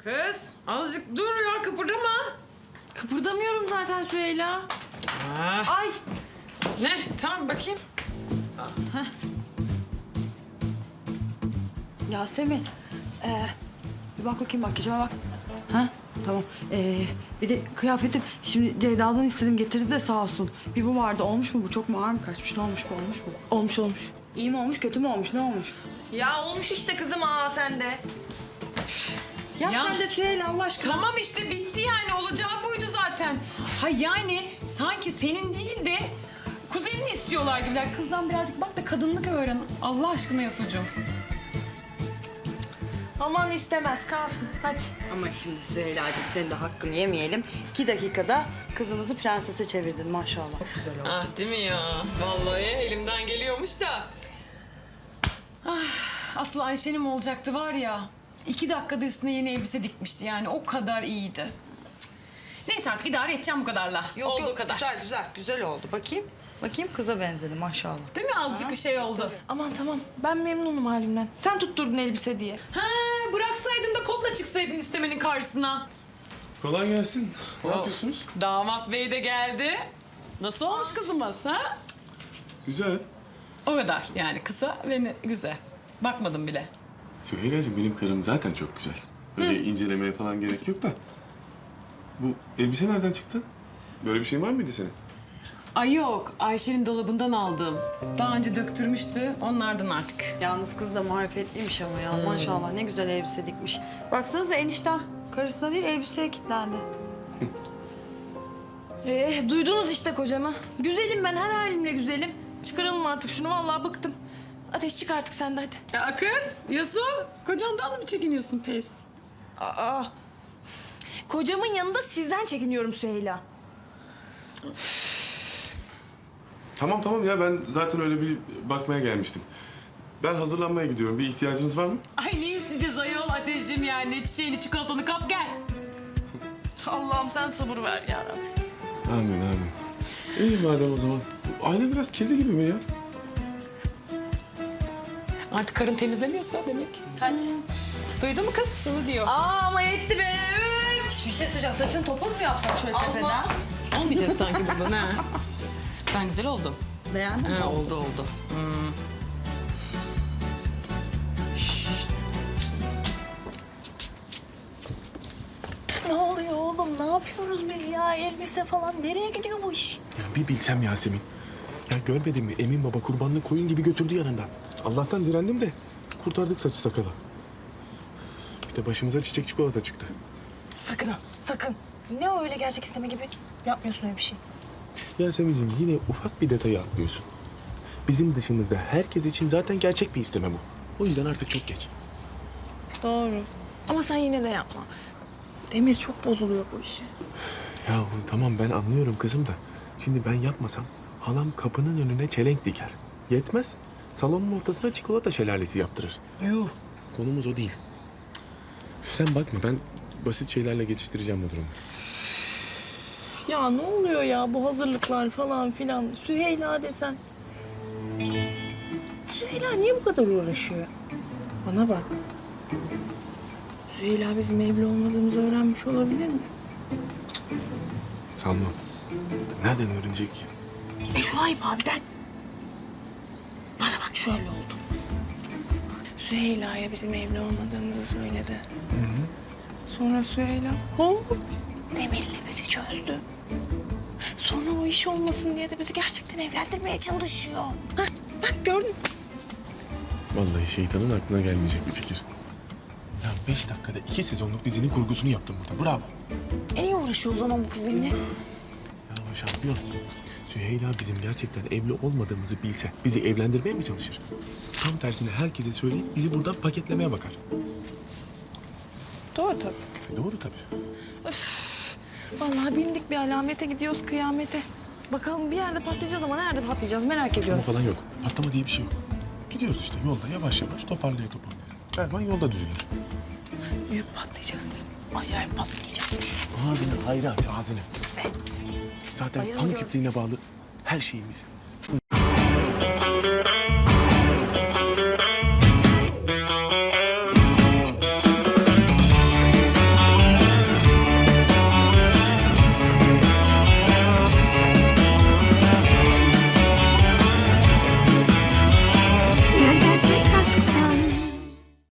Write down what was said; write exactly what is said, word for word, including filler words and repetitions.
Kız azıcık dur ya, kıpırdama. Kıpırdamıyorum zaten Süheyla. Ah. Ay. Ne? Tamam bakayım. Yasemin. Ee, bir bak bakayım, makyajıma bak. Ha? Tamam. Ee, bir de kıyafetim. Şimdi Ceyda'dan istedim, getirdi de sağ olsun. Bir bu vardı. Olmuş mu bu? Çok mu ağır mı kaçmış? Ne olmuş bu? Olmuş mu? Olmuş olmuş. İyi mi olmuş, kötü mü olmuş? Ne olmuş? Ya olmuş işte kızım, aa sen de. Ya, Ya. sen de Süheyla Allah aşkına. Tamam işte bitti yani, olacağı buydu zaten. Ha yani sanki senin değil de kuzenini istiyorlar gibiler. Kızdan birazcık bak da kadınlık öğren. Allah aşkına Yasucuğum. Aman istemez, kalsın hadi. Ama şimdi Süheyla'cığım senin de hakkını yemeyelim. İki dakikada kızımızı prensese çevirdin maşallah. Çok güzel oldu. Ah değil mi ya? Vallahi elimden geliyormuş da. Ah, asıl Ayşe'nin olacaktı var ya. İki dakikada üstüne yeni elbise dikmişti yani, o kadar iyiydi. Cık. Neyse artık idare edeceğim bu kadarla. Olduğu kadar. Güzel güzel güzel oldu. Bakayım. Bakayım kıza benzedi maşallah. Değil mi? Azıcık bir şey oldu. Aman tamam, ben memnunum halimden. Sen tutturdun elbise diye. Ha, bıraksaydım da kotla çıksaydın istemenin karşısına. Kolay gelsin. Ne yapıyorsunuz? Damat bey de geldi. Nasıl olmuş kızımız ha? Güzel. O kadar yani, kısa ve ne- güzel. Bakmadım bile. Süheyla'cığım benim karım zaten çok güzel. Böyle incelemeye falan gerek yok da. Bu elbise nereden çıktı? Böyle bir şey var mıydı senin? Ay yok, Ayşe'nin dolabından aldım. Daha önce döktürmüştü, onlardan artık. Yalnız kız da marifetliymiş ama ya maşallah ne güzel elbise dikmiş. Baksanıza enişten karısına değil elbiseye kilitlendi. Ee, duydunuz işte kocamı. Güzelim ben, her halimle güzelim. Çıkaralım artık şunu, vallahi bıktım. Ateş çık artık sen de hadi. Ya kız, Yasu, kocandan mı çekiniyorsun pes? Aa. Kocamın yanında sizden çekiniyorum Süheyla. Tamam tamam ya, ben zaten öyle bir bakmaya gelmiştim. Ben hazırlanmaya gidiyorum. Bir ihtiyacınız var mı? Ay ne isteyeceğiz ayol Ateşciğim yani? Çiçeğini, çikolatanı kap gel. Allah'ım sen sabır ver ya Rabbi. Amin amin. İyi madem o zaman. Ayna biraz kirli gibi mi ya? Artık karın temizlemiyorsa demek. Hadi. Duydun mu kız? Sana diyor. Aa ama etti be. Üf. Bir şey söyleyeceğim. Saçını topuz mu yapsak şöyle tepeden? Olmayacak sanki buradan ha. Sen güzel oldun. Beğendin mi? Ha, oldu oldu. Hmm. Ne oluyor oğlum? Ne yapıyoruz biz ya? Elbise falan. Nereye gidiyor bu iş? Ya bir bilsem Yasemin. Ya görmedin mi? Emin baba kurbanlık koyun gibi götürdü yanından. Allah'tan direndim de kurtardık saçı sakalı. Bir de başımıza çiçek çikolata çıktı. Sakın ha, sakın. Ne o öyle gerçek isteme gibi? Yapmıyorsun öyle bir şey. Yasemin'ciğim yine ufak bir detayı atlıyorsun. Bizim dışımızda herkes için zaten gerçek bir isteme bu. O yüzden artık çok geç. Doğru. Ama sen yine de yapma. Demir çok bozuluyor bu işe. Ya tamam ben anlıyorum kızım da. Şimdi ben yapmasam halam kapının önüne çelenk diker. Yetmez. Salonun ortasına çikolata şelalesi yaptırır. Yuh. Konumuz o değil. Sen bakma ben basit şeylerle geçiştireceğim bu durumu. Ya ne oluyor ya bu hazırlıklar falan filan. Süheyla desen. Süheyla niye bu kadar uğraşıyor? Bana bak. Süheyla bizim evli olmadığımızı öğrenmiş olabilir mi? Sanmam. Nereden öğrenecek? E şu ayıp abiden. Bana bak şöyle oldu. Süheyla'ya bizim evli olmadığımızı söyledi. Sonra Süheyla hop Demir'le bizi çözdü. Sonra o iş olmasın diye de bizi gerçekten evlendirmeye çalışıyor. Hah, bak gördün. Vallahi şeytanın aklına gelmeyecek bir fikir. Ya beş dakikada iki sezonluk dizinin kurgusunu yaptım burada. Bravo. En iyi uğraşıyor o zaman bu kız benimle. Ya şampiyon. Süheyla bizim gerçekten evli olmadığımızı bilse bizi evlendirmeye mi çalışır? Tam tersine herkese söyleyip bizi buradan paketlemeye bakar. Doğru tabii. E doğru tabii. Vallahi bindik bir alamete gidiyoruz kıyamete. Bakalım bir yerde patlayacağız ama nerede patlayacağız merak Patlama ediyorum. falan yok. Patlama diye bir şey yok. Gidiyoruz işte yolda yavaş yavaş toparlaya toparlaya. Erman yolda düzülür. Büyük patlayacağız. Acayip patlayacağız. Ağzını hayra aç ağzını. Zaten Ayağını pamuk gördüm. ipliğine bağlı her şeyimiz.